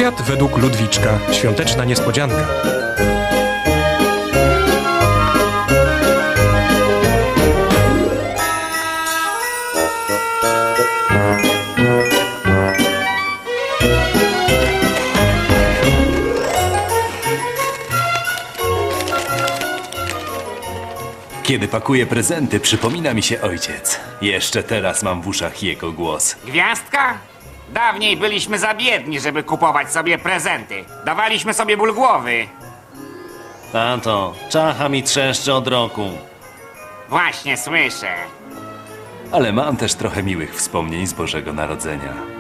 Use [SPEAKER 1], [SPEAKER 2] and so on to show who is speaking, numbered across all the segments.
[SPEAKER 1] Świat według Ludwiczka. Świąteczna niespodzianka.
[SPEAKER 2] Kiedy pakuję prezenty, przypomina mi się ojciec. Jeszcze teraz mam w uszach jego głos.
[SPEAKER 3] Gwiazdka? Dawniej byliśmy za biedni, żeby kupować sobie prezenty. Dawaliśmy sobie ból głowy.
[SPEAKER 4] Tato, czacha mi trzeszczy od roku.
[SPEAKER 3] Właśnie słyszę.
[SPEAKER 2] Ale mam też trochę miłych wspomnień z Bożego Narodzenia.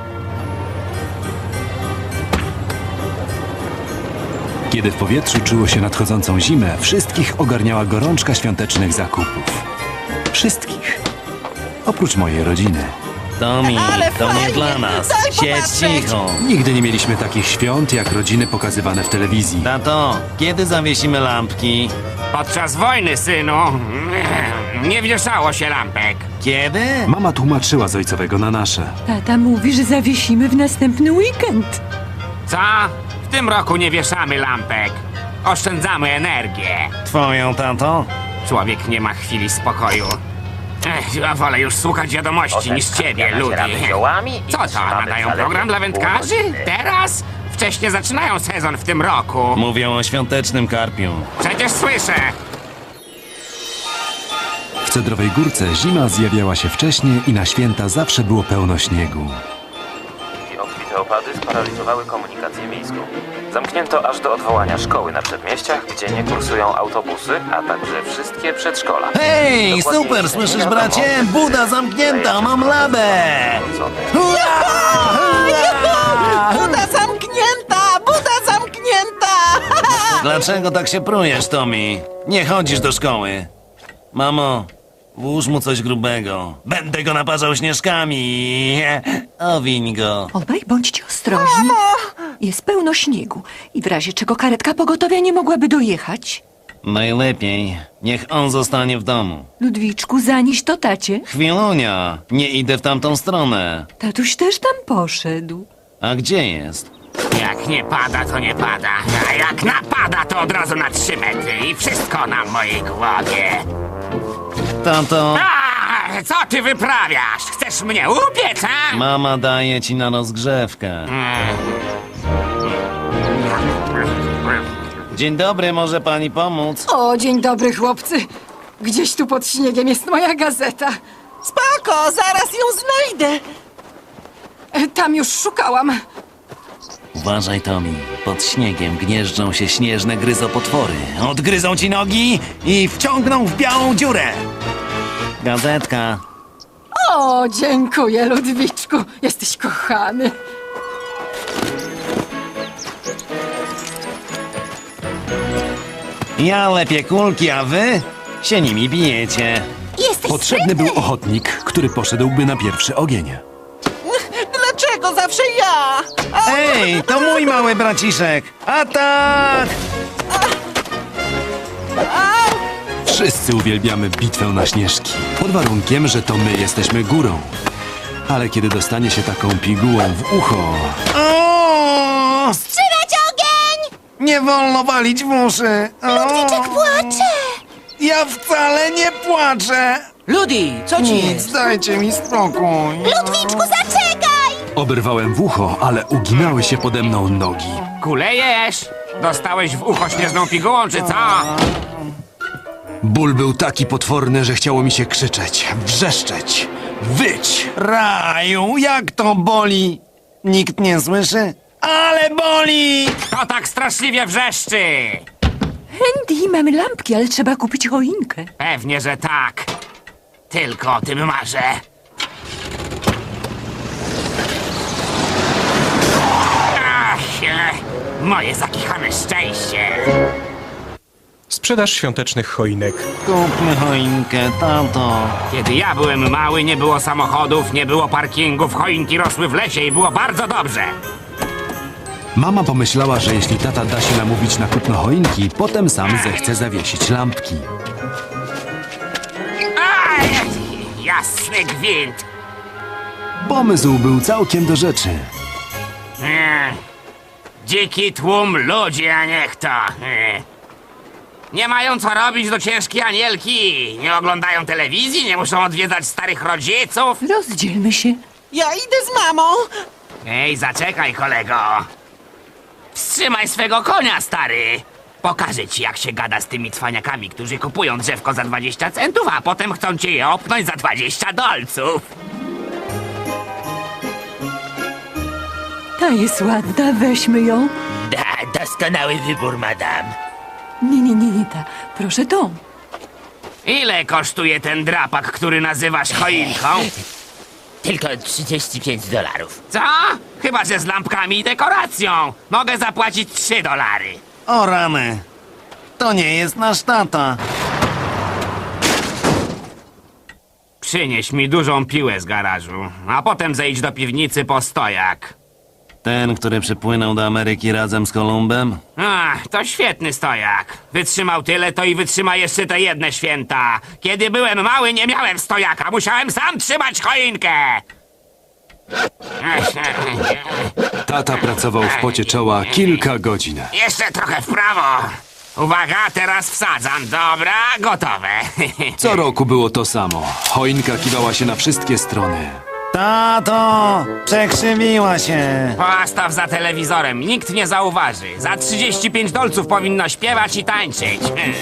[SPEAKER 2] Kiedy w powietrzu czuło się nadchodzącą zimę, wszystkich ogarniała gorączka świątecznych zakupów. Wszystkich. Oprócz mojej rodziny.
[SPEAKER 4] Tommy,
[SPEAKER 5] Ale
[SPEAKER 4] to nie
[SPEAKER 5] fajnie,
[SPEAKER 4] dla nas.
[SPEAKER 5] daj
[SPEAKER 4] Siedź
[SPEAKER 5] popatrzeć.
[SPEAKER 4] cicho.
[SPEAKER 2] Nigdy nie mieliśmy takich świąt jak rodziny pokazywane w telewizji.
[SPEAKER 4] Tato, kiedy zawiesimy lampki?
[SPEAKER 3] Podczas wojny, synu, nie wieszało się lampek.
[SPEAKER 4] Kiedy?
[SPEAKER 2] Mama tłumaczyła z ojcowego na nasze.
[SPEAKER 5] Tata mówi, że zawiesimy w następny weekend.
[SPEAKER 3] Co? W tym roku nie wieszamy lampek. Oszczędzamy energię.
[SPEAKER 4] Twoją, tato?
[SPEAKER 3] Człowiek nie ma chwili spokoju. Ja wolę już słuchać wiadomości niż ciebie, Ludi. Co to, nadają program dla wędkarzy? Teraz? Wcześniej zaczynają sezon w tym roku.
[SPEAKER 4] Mówią o świątecznym karpiu.
[SPEAKER 3] Przecież słyszę.
[SPEAKER 2] W Cedrowej Górce zima zjawiała się wcześniej i na święta zawsze było pełno śniegu.
[SPEAKER 6] Obfite opady sparaliżowały komunikację miejską. Zamknięto aż do odwołania szkoły na przedmieściach, gdzie nie kursują autobusy, a także wszystkie przedszkola.
[SPEAKER 4] Hej,
[SPEAKER 6] Dokładnie
[SPEAKER 4] super,
[SPEAKER 6] nie
[SPEAKER 4] słyszysz
[SPEAKER 6] wiadomo,
[SPEAKER 4] bracie?
[SPEAKER 6] czy
[SPEAKER 4] Buda zamknięta, mam labę! Hurra!
[SPEAKER 5] Buda zamknięta! Buda zamknięta!
[SPEAKER 4] Dlaczego tak się prujesz, Tommy? Nie chodzisz do szkoły. Mamo, włóż mu coś grubego. Będę go naparzał śnieżkami. Owiń go.
[SPEAKER 7] Obaj bądźcie ostrożni. Jest pełno śniegu i w razie czego karetka pogotowia nie mogłaby dojechać.
[SPEAKER 4] Najlepiej, niech on zostanie w domu.
[SPEAKER 7] Ludwiczku, zanieś to tacie.
[SPEAKER 4] Chwilunia, nie idę w tamtą stronę.
[SPEAKER 7] Tatuś też tam poszedł.
[SPEAKER 4] A gdzie jest?
[SPEAKER 3] Jak nie pada, to nie pada. A jak napada, to od razu na 3 metry. I wszystko na mojej głowie.
[SPEAKER 4] Tato,
[SPEAKER 3] A, co ty wyprawiasz? Chcesz mnie upiec, a?
[SPEAKER 4] mama daje ci na rozgrzewkę. Dzień dobry, może pani pomóc?
[SPEAKER 5] O, dzień dobry, chłopcy. Gdzieś tu pod śniegiem jest moja gazeta. Spoko, zaraz ją znajdę. Tam już szukałam.
[SPEAKER 4] Uważaj, Tommy. Pod śniegiem gnieżdżą się śnieżne gryzopotwory. Odgryzą ci nogi i wciągną w białą dziurę. Gazetka.
[SPEAKER 5] O, dziękuję, Ludwiczku. Jesteś kochany.
[SPEAKER 4] Ja lepię kulki, a wy się nimi bijecie.
[SPEAKER 2] Potrzebny był ochotnik, który poszedłby na pierwszy ogień.
[SPEAKER 5] Dlaczego zawsze ja?
[SPEAKER 4] Ej, to mój mały braciszek. Atak!
[SPEAKER 2] Wszyscy uwielbiamy bitwę na śnieżki, pod warunkiem, że to my jesteśmy górą. Ale kiedy dostanie się taką pigułą w ucho...
[SPEAKER 4] O!
[SPEAKER 5] Wstrzymać ogień!
[SPEAKER 4] Nie wolno walić w uszy. Ludwiczek
[SPEAKER 5] Płaczę!
[SPEAKER 4] Ja wcale nie płaczę.
[SPEAKER 8] Ludi, co ci jest?
[SPEAKER 4] Dajcie mi spokój.
[SPEAKER 5] Ludwiczku, zaczekaj!
[SPEAKER 2] Oberwałem w ucho, ale uginały się pode mną nogi.
[SPEAKER 3] Kulejesz? Dostałeś w ucho śnieżną pigułą, czy co?
[SPEAKER 2] Ból był taki potworny, że chciało mi się krzyczeć, wrzeszczeć, wyć.
[SPEAKER 4] Raju, jak to boli? Nikt nie słyszy? Ale boli!
[SPEAKER 3] To tak straszliwie wrzeszczy!
[SPEAKER 7] Andy, mamy lampki, ale trzeba kupić choinkę.
[SPEAKER 3] Pewnie, że tak. Tylko o tym marzę. Ach, moje zakichane szczęście.
[SPEAKER 1] Sprzedaż świątecznych choinek.
[SPEAKER 4] Kupmy choinkę, tato.
[SPEAKER 3] Kiedy ja byłem mały, nie było samochodów, nie było parkingów, choinki rosły w lesie i było bardzo dobrze.
[SPEAKER 2] Mama pomyślała, że jeśli tata da się namówić na kupno choinki, potem sam zechce zawiesić lampki.
[SPEAKER 3] Aj, jasny gwint.
[SPEAKER 2] Pomysł był całkiem do rzeczy.
[SPEAKER 3] Dziki tłum ludzi, a niech to. Nie mają co robić do ciężkiej anielki. Nie oglądają telewizji, nie muszą odwiedzać starych rodziców.
[SPEAKER 7] Rozdzielmy się.
[SPEAKER 8] Ja idę z mamą.
[SPEAKER 3] Ej, zaczekaj, kolego. Wstrzymaj swego konia, stary. Pokażę ci, jak się gada z tymi cwaniakami, którzy kupują drzewko za 20 centów, a potem chcą cię je opnąć za 20 dolców.
[SPEAKER 7] Ta jest ładna, weźmy ją.
[SPEAKER 8] Doskonały wybór, madam.
[SPEAKER 7] Nie ta. Proszę tą.
[SPEAKER 3] Ile kosztuje ten drapak, który nazywasz choinką?
[SPEAKER 8] Tylko $35.
[SPEAKER 3] Co? Chyba, że z lampkami i dekoracją. Mogę zapłacić $3.
[SPEAKER 4] O rany. To nie jest nasz tata.
[SPEAKER 3] Przynieś mi dużą piłę z garażu, a potem zejdź do piwnicy po stojak.
[SPEAKER 4] Ten, który przypłynął do Ameryki razem z Kolumbem?
[SPEAKER 3] Ach, to świetny stojak. Wytrzymał tyle, to i wytrzyma jeszcze te jedne święta. Kiedy byłem mały, nie miałem stojaka. Musiałem sam trzymać choinkę.
[SPEAKER 2] Tata pracował w pocie czoła kilka godzin.
[SPEAKER 3] Jeszcze trochę w prawo. Uwaga, teraz wsadzam. Dobra, gotowe.
[SPEAKER 2] Co roku było to samo. Choinka kiwała się na wszystkie strony.
[SPEAKER 4] Tato! Przekrzywiła się.
[SPEAKER 3] Postaw za telewizorem, nikt nie zauważy. Za 35 dolców powinno śpiewać i tańczyć.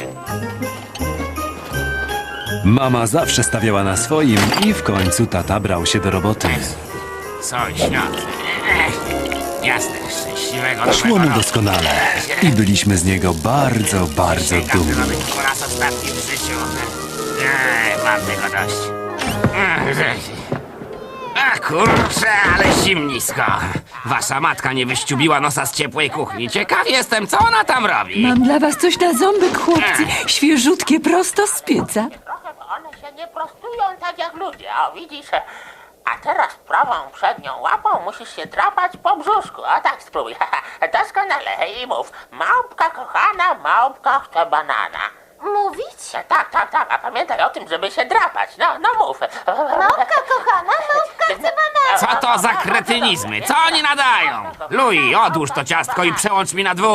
[SPEAKER 2] Mama zawsze stawiała na swoim i w końcu tata brał się do roboty.
[SPEAKER 3] Sąsiad. Jasne, szczęśliwego
[SPEAKER 2] Szło mu
[SPEAKER 3] nowego roku.
[SPEAKER 2] doskonale i byliśmy z niego bardzo, bardzo
[SPEAKER 3] Sięgam
[SPEAKER 2] dumni.
[SPEAKER 3] nawet po raz ostatni w życiu. Mam tego dość. A kurczę, ale zimnisko. Wasza matka nie wyściubiła nosa z ciepłej kuchni. Ciekaw jestem, co ona tam robi.
[SPEAKER 7] Mam dla was coś na ząbek, chłopcy. Świeżutkie, prosto z pieca.
[SPEAKER 9] Trochę, bo one się nie prostują tak jak ludzie, o widzisz? A teraz prawą przednią łapą musisz się drapać po brzuszku. O tak spróbuj. Doskonale i mów. Małpka kochana, małpka chce banana.
[SPEAKER 10] Mówić?
[SPEAKER 9] Tak, a pamiętaj o tym, żeby się drapać. No mów.
[SPEAKER 10] Małpka kochana, małpka chce banana.
[SPEAKER 3] Co to za kretynizmy? Co oni nadają? Louis, odłóż to ciastko i przełącz mi na 2.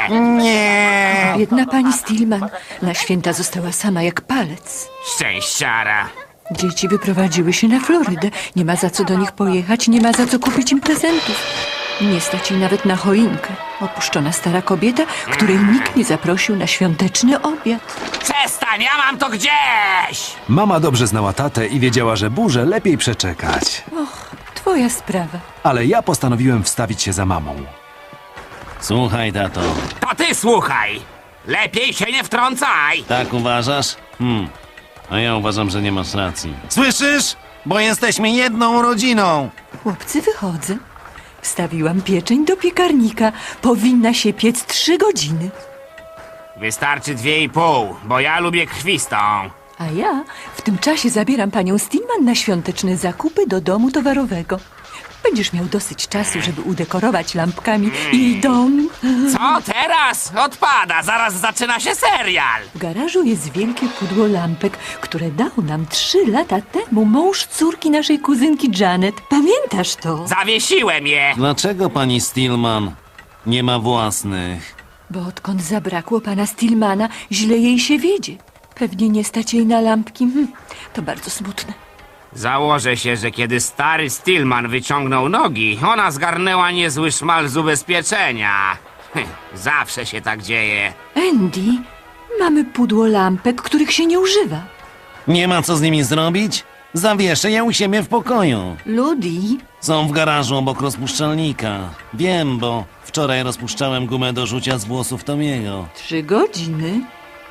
[SPEAKER 4] Nie.
[SPEAKER 7] Biedna pani Stillman. Na święta została sama jak palec.
[SPEAKER 3] Szczęściara.
[SPEAKER 7] Dzieci wyprowadziły się na Florydę. Nie ma za co do nich pojechać, nie ma za co kupić im prezentów. Nie stać jej nawet na choinkę. Opuszczona stara kobieta, której nikt nie zaprosił na świąteczny obiad.
[SPEAKER 3] Przestań, ja mam to gdzieś!
[SPEAKER 2] Mama dobrze znała tatę i wiedziała, że burzę lepiej przeczekać.
[SPEAKER 7] Twoja sprawa.
[SPEAKER 2] Ale ja postanowiłem wstawić się za mamą.
[SPEAKER 4] Słuchaj, tato.
[SPEAKER 3] To ty słuchaj! Lepiej się nie wtrącaj!
[SPEAKER 4] Tak uważasz? A ja uważam, że nie masz racji. Słyszysz? Bo jesteśmy jedną rodziną.
[SPEAKER 7] Chłopcy, wychodzę. Wstawiłam pieczeń do piekarnika. Powinna się piec 3 godziny.
[SPEAKER 3] Wystarczy 2,5, bo ja lubię krwistą.
[SPEAKER 7] A ja w tym czasie zabieram panią Stillman na świąteczne zakupy do domu towarowego. Będziesz miał dosyć czasu, żeby udekorować lampkami jej dom.
[SPEAKER 3] Co teraz? Odpada, zaraz zaczyna się serial.
[SPEAKER 7] W garażu jest wielkie pudło lampek, które dał nam 3 lata temu mąż córki naszej kuzynki Janet. Pamiętasz to?
[SPEAKER 3] Zawiesiłem je.
[SPEAKER 4] Dlaczego pani Stillman nie ma własnych?
[SPEAKER 7] Bo odkąd zabrakło pana Stillmana, źle jej się wiedzie. Pewnie nie stać jej na lampki. To bardzo smutne.
[SPEAKER 3] Założę się, że kiedy stary Stillman wyciągnął nogi, ona zgarnęła niezły szmal z ubezpieczenia. Zawsze się tak dzieje.
[SPEAKER 7] Andy, mamy pudło lampek, których się nie używa.
[SPEAKER 4] Nie ma co z nimi zrobić? Zawieszę je u siebie w pokoju.
[SPEAKER 7] Ludi,
[SPEAKER 4] Są w garażu obok rozpuszczalnika. Wiem, bo wczoraj rozpuszczałem gumę do rzucia z włosów Tomiego.
[SPEAKER 7] 3 godziny.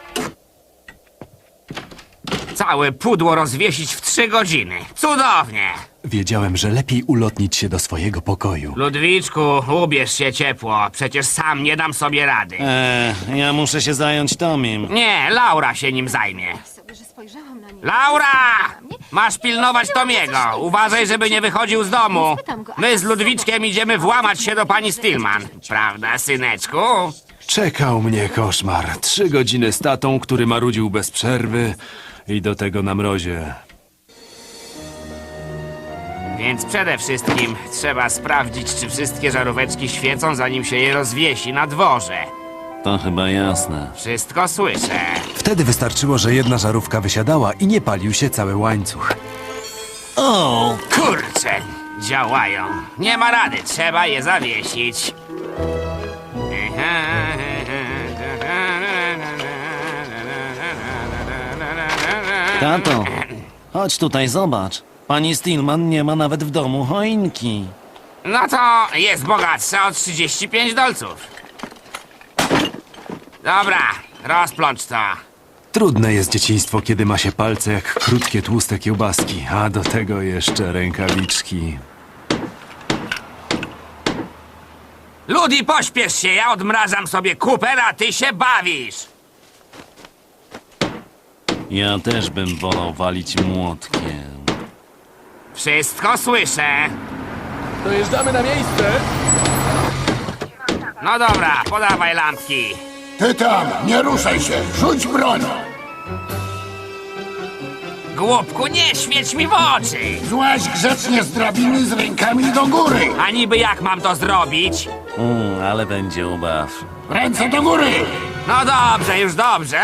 [SPEAKER 3] Całe pudło rozwiesić w 3 godziny. Cudownie!
[SPEAKER 2] Wiedziałem, że lepiej ulotnić się do swojego pokoju.
[SPEAKER 3] Ludwiczku, ubierz się ciepło. Przecież sam nie dam sobie rady.
[SPEAKER 4] Ja muszę się zająć Tomim.
[SPEAKER 3] Nie, Laura się nim zajmie. Laura! Masz pilnować Tomiego. Uważaj, żeby nie wychodził z domu. My z Ludwiczkiem idziemy włamać się do pani Stillman. Prawda, syneczku?
[SPEAKER 2] Czekał mnie koszmar. 3 godziny z tatą, który marudził bez przerwy i do tego na mrozie.
[SPEAKER 3] Więc przede wszystkim trzeba sprawdzić, czy wszystkie żaróweczki świecą, zanim się je rozwiesi na dworze.
[SPEAKER 4] To chyba jasne.
[SPEAKER 3] Wszystko słyszę.
[SPEAKER 2] Wtedy wystarczyło, że jedna żarówka wysiadała i nie palił się cały łańcuch.
[SPEAKER 4] O!
[SPEAKER 3] Kurczę, działają. Nie ma rady, trzeba je zawiesić.
[SPEAKER 4] Tato, chodź tutaj, zobacz. Pani Stillman nie ma nawet w domu choinki.
[SPEAKER 3] No to jest bogatsza o 35 dolców. Dobra, rozplącz to.
[SPEAKER 2] Trudne jest dzieciństwo, kiedy ma się palce jak krótkie, tłuste kiełbaski, a do tego jeszcze rękawiczki.
[SPEAKER 3] Ludi, pośpiesz się, ja odmrażam sobie kuper, a ty się bawisz.
[SPEAKER 4] Ja też bym wolał walić młotkiem.
[SPEAKER 3] Wszystko słyszę.
[SPEAKER 11] Dojeżdżamy na miejsce.
[SPEAKER 3] No dobra, podawaj lampki.
[SPEAKER 12] Ty tam, nie ruszaj się, rzuć broń!
[SPEAKER 3] Głupku, nie świeć mi w oczy.
[SPEAKER 12] Złaź grzecznie z drabiny z rękami do góry!
[SPEAKER 3] A niby jak mam to zrobić?
[SPEAKER 4] Ale będzie ubaw.
[SPEAKER 12] Ręce do góry!
[SPEAKER 3] No dobrze, już dobrze.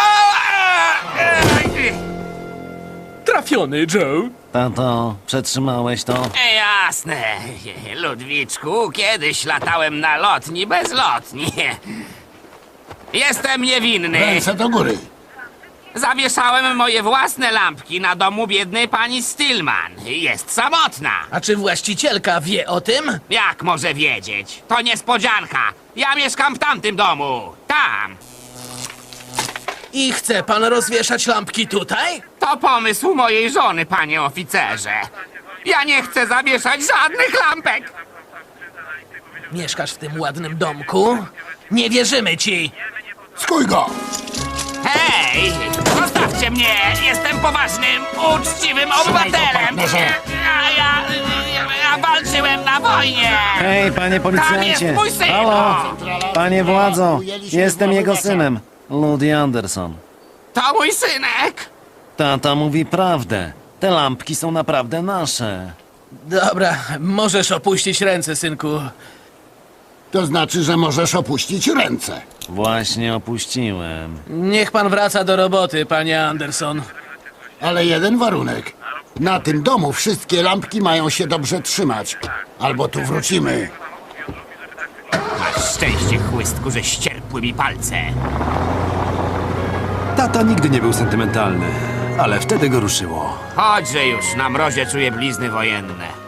[SPEAKER 11] Trafiony, Joe.
[SPEAKER 4] Tato, przetrzymałeś to?
[SPEAKER 3] Jasne. Ludwiczku, kiedyś latałem na lotni bezlotni. Jestem niewinny.
[SPEAKER 12] Ręce do góry!
[SPEAKER 3] Zawieszałem moje własne lampki na domu biednej pani Stillman. Jest samotna.
[SPEAKER 11] A czy właścicielka wie o tym?
[SPEAKER 3] Jak może wiedzieć? To niespodzianka. Ja mieszkam w tamtym domu. Tam.
[SPEAKER 11] I chce pan rozwieszać lampki tutaj?
[SPEAKER 3] To pomysł mojej żony, panie oficerze. Ja nie chcę zawieszać żadnych lampek.
[SPEAKER 11] Mieszkasz w tym ładnym domku? Nie wierzymy ci.
[SPEAKER 12] Skuj go!
[SPEAKER 3] Hej! Zostawcie mnie! Jestem poważnym, uczciwym obywatelem!
[SPEAKER 12] partnerze.
[SPEAKER 3] Ja walczyłem na wojnie!
[SPEAKER 4] Hej, panie
[SPEAKER 3] Tam jest
[SPEAKER 4] policjancie!
[SPEAKER 3] mój syn!
[SPEAKER 4] Halo! Panie władzo, jestem jego synem, Ludi Anderson.
[SPEAKER 3] To mój synek!
[SPEAKER 4] Tata mówi prawdę. Te lampki są naprawdę nasze.
[SPEAKER 11] Dobra, możesz opuścić ręce, synku.
[SPEAKER 12] To znaczy, że możesz opuścić ręce.
[SPEAKER 4] Właśnie opuściłem.
[SPEAKER 11] Niech pan wraca do roboty, panie Anderson.
[SPEAKER 12] Ale jeden warunek. Na tym domu wszystkie lampki mają się dobrze trzymać. Albo tu wrócimy.
[SPEAKER 3] Masz szczęście, chłystku, że ścierpły mi palce.
[SPEAKER 2] Tata nigdy nie był sentymentalny, ale wtedy go ruszyło.
[SPEAKER 3] Chodźże już, na mrozie czuję blizny wojenne.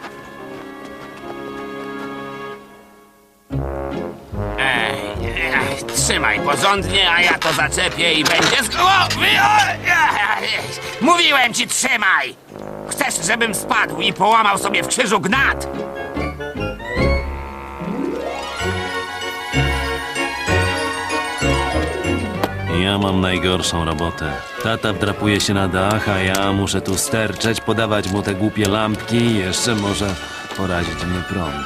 [SPEAKER 3] Trzymaj porządnie, a ja to zaczepię i będzie z głowy. Mówiłem ci, trzymaj! Chcesz, żebym spadł i połamał sobie w krzyżu gnat?
[SPEAKER 4] Ja mam najgorszą robotę. Tata wdrapuje się na dach, a ja muszę tu sterczeć, podawać mu te głupie lampki i jeszcze może porazić mnie prąd.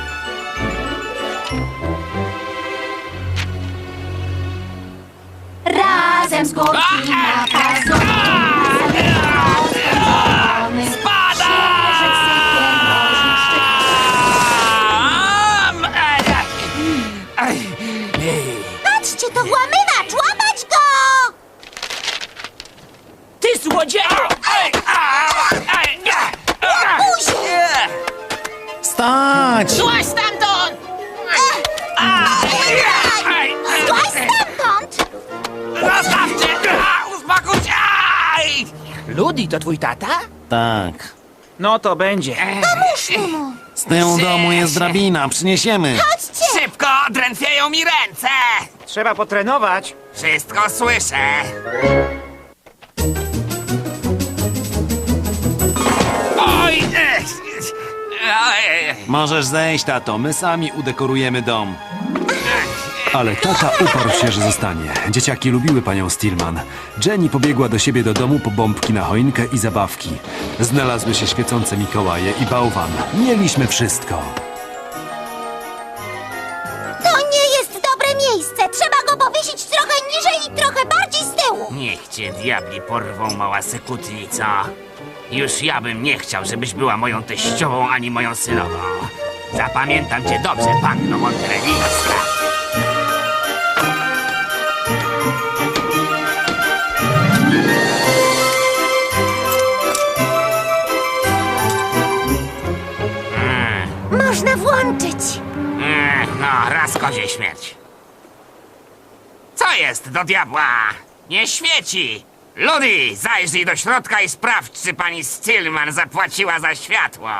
[SPEAKER 10] Razem z górki na pazurki. Patrzcie, to włamywacz! Łapać go!
[SPEAKER 8] Ty złodzieju!
[SPEAKER 4] Stać!
[SPEAKER 9] Złaź stamtąd!
[SPEAKER 10] Złaź stamtąd!
[SPEAKER 3] Zostawcie! Uspokój się!
[SPEAKER 8] Ludi, to twój tata?
[SPEAKER 4] Tak.
[SPEAKER 8] No to będzie.
[SPEAKER 4] Z tyłu domu jest drabina, przyniesiemy.
[SPEAKER 3] Szybko, drętwieją mi ręce!
[SPEAKER 8] Trzeba potrenować.
[SPEAKER 3] Wszystko słyszę. Oj!
[SPEAKER 2] Możesz zejść, tato, my sami udekorujemy dom. Ale tata uparł się, że zostanie. Dzieciaki lubiły panią Stillman. Jenny pobiegła do siebie do domu po bombki na choinkę i zabawki. Znalazły się świecące Mikołaje i bałwan. Mieliśmy wszystko.
[SPEAKER 10] To nie jest dobre miejsce. Trzeba go powiesić trochę niżej i trochę bardziej z tyłu.
[SPEAKER 3] Niech cię diabli porwą, mała sekutnico. Już ja bym nie chciał, żebyś była moją teściową ani moją synową. Zapamiętam cię dobrze, panno Monterelińska.
[SPEAKER 10] Można włączyć.
[SPEAKER 3] No, raz kozie śmierć. Co jest do diabła? Nie świeci! Ludy, zajrzyj do środka i sprawdź, czy pani Stillman zapłaciła za światło.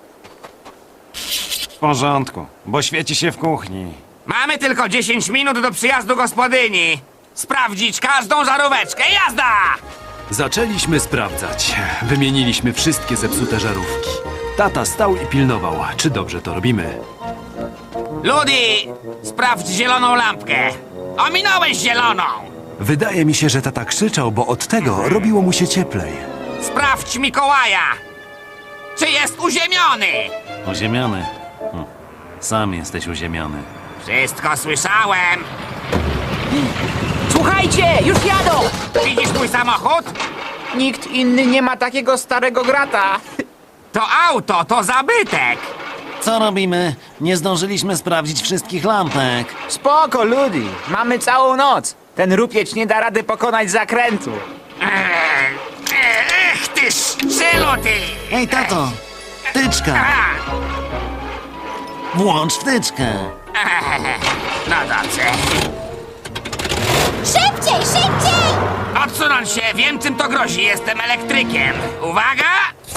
[SPEAKER 2] W porządku, bo świeci się w kuchni.
[SPEAKER 3] Mamy tylko 10 minut do przyjazdu gospodyni. Sprawdzić każdą żaróweczkę. Jazda!
[SPEAKER 2] Zaczęliśmy sprawdzać. Wymieniliśmy wszystkie zepsute żarówki. Tata stał i pilnował, czy dobrze to robimy.
[SPEAKER 3] Ludy, sprawdź zieloną lampkę. Ominąłeś zieloną.
[SPEAKER 2] Wydaje mi się, że tata krzyczał, bo od tego robiło mu się cieplej.
[SPEAKER 3] Sprawdź Mikołaja. Czy jest uziemiony?
[SPEAKER 4] Uziemiony. Sam jesteś uziemiony.
[SPEAKER 3] Wszystko słyszałem.
[SPEAKER 8] Słuchajcie, już jadą!
[SPEAKER 3] Widzisz mój samochód?
[SPEAKER 8] Nikt inny nie ma takiego starego grata.
[SPEAKER 3] To auto, to zabytek.
[SPEAKER 4] Co robimy? Nie zdążyliśmy sprawdzić wszystkich lampek.
[SPEAKER 8] Spoko, Ludy. Mamy całą noc. Ten rupieć nie da rady pokonać zakrętu.
[SPEAKER 3] Ech, ty szczylu, ty!
[SPEAKER 4] Ej, tato! Wtyczka! Włącz wtyczkę!
[SPEAKER 3] No dobrze.
[SPEAKER 10] Szybciej, szybciej!
[SPEAKER 3] Odsunąć się, wiem czym to grozi, jestem elektrykiem. Uwaga!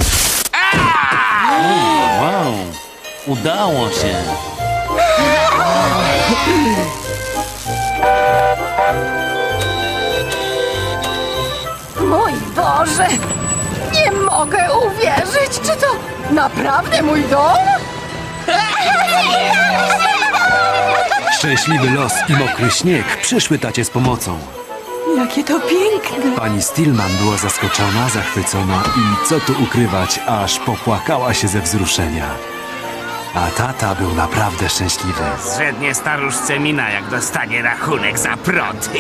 [SPEAKER 4] Wow! Udało się!
[SPEAKER 5] Mój Boże! Nie mogę uwierzyć! Czy to naprawdę mój dom?
[SPEAKER 2] Szczęśliwy los i mokry śnieg przyszły tacie z pomocą.
[SPEAKER 7] Jakie to piękne!
[SPEAKER 2] Pani Stillman była zaskoczona, zachwycona i co tu ukrywać, aż popłakała się ze wzruszenia. A tata był naprawdę szczęśliwy.
[SPEAKER 3] Zrzednie staruszce mina, jak dostanie rachunek za prąd.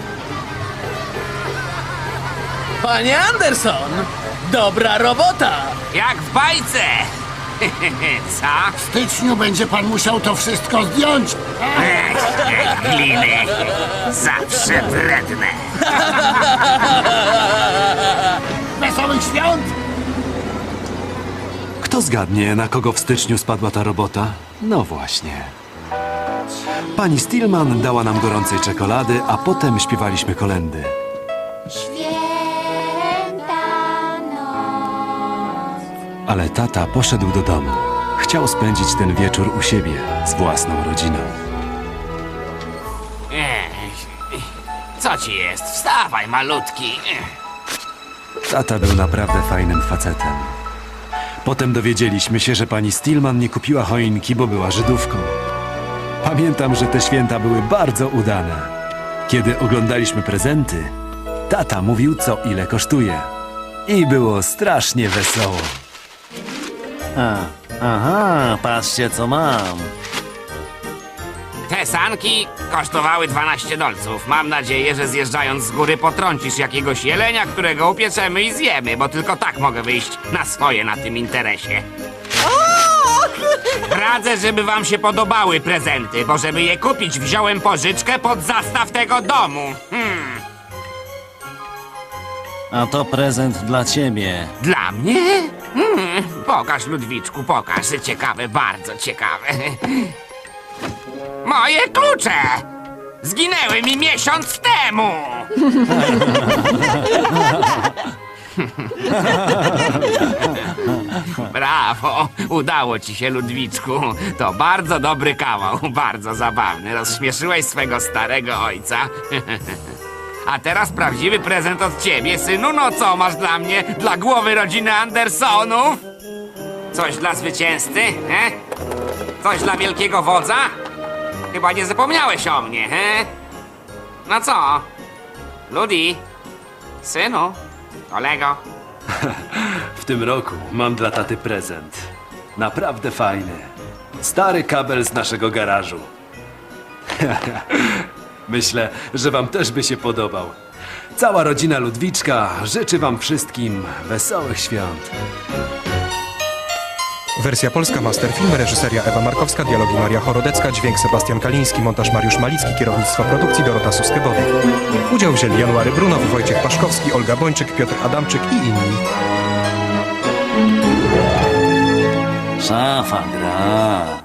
[SPEAKER 11] Panie Anderson! Dobra robota!
[SPEAKER 3] Jak w bajce! Co?
[SPEAKER 12] W styczniu będzie pan musiał to wszystko zdjąć.
[SPEAKER 3] Gliny. Zawsze wredne.
[SPEAKER 12] Wesołych świąt!
[SPEAKER 2] Kto zgadnie, na kogo w styczniu spadła ta robota? No właśnie. Pani Stillman dała nam gorącej czekolady, a potem śpiewaliśmy kolędy.
[SPEAKER 10] Święta noc.
[SPEAKER 2] Ale tata poszedł do domu. Chciał spędzić ten wieczór u siebie, z własną rodziną.
[SPEAKER 3] Co ci jest? Wstawaj, malutki.
[SPEAKER 2] Tata był naprawdę fajnym facetem. Potem dowiedzieliśmy się, że pani Stillman nie kupiła choinki, bo była Żydówką. Pamiętam, że te święta były bardzo udane. Kiedy oglądaliśmy prezenty, tata mówił, co ile kosztuje. I było strasznie wesoło.
[SPEAKER 4] Aha, patrzcie co mam.
[SPEAKER 3] Te sanki kosztowały 12 dolców. Mam nadzieję, że zjeżdżając z góry potrącisz jakiegoś jelenia, którego upieczemy i zjemy, bo tylko tak mogę wyjść na swoje na tym interesie. Radzę, żeby wam się podobały prezenty, bo żeby je kupić, wziąłem pożyczkę pod zastaw tego domu.
[SPEAKER 4] A to prezent dla ciebie.
[SPEAKER 3] Dla mnie? Pokaż, Ludwiczku, pokaż. Ciekawe, bardzo ciekawe. Moje klucze! Zginęły mi miesiąc temu! Brawo! Udało ci się, Ludwiczku. To bardzo dobry kawał, bardzo zabawny. Rozśmieszyłeś swego starego ojca. A teraz prawdziwy prezent od ciebie, synu. No co masz dla mnie? Dla głowy rodziny Andersonów? Coś dla zwycięzcy, he? Coś dla wielkiego wodza? Chyba nie zapomniałeś o mnie, he? No co? Ludi? Synu? Kolego?
[SPEAKER 2] W tym roku mam dla taty prezent. Naprawdę fajny. Stary kabel z naszego garażu. Myślę, że wam też by się podobał. Cała rodzina Ludwiczka życzy wam wszystkim wesołych świąt.
[SPEAKER 1] Wersja polska Masterfilm, reżyseria Ewa Markowska, dialogi Maria Chorodecka, dźwięk Sebastian Kaliński, montaż Mariusz Malicki, kierownictwo produkcji Dorota Suskebody. Udział wzięli January Brunow, Wojciech Paszkowski, Olga Bończyk, Piotr Adamczyk i inni.
[SPEAKER 4] Szafa gra.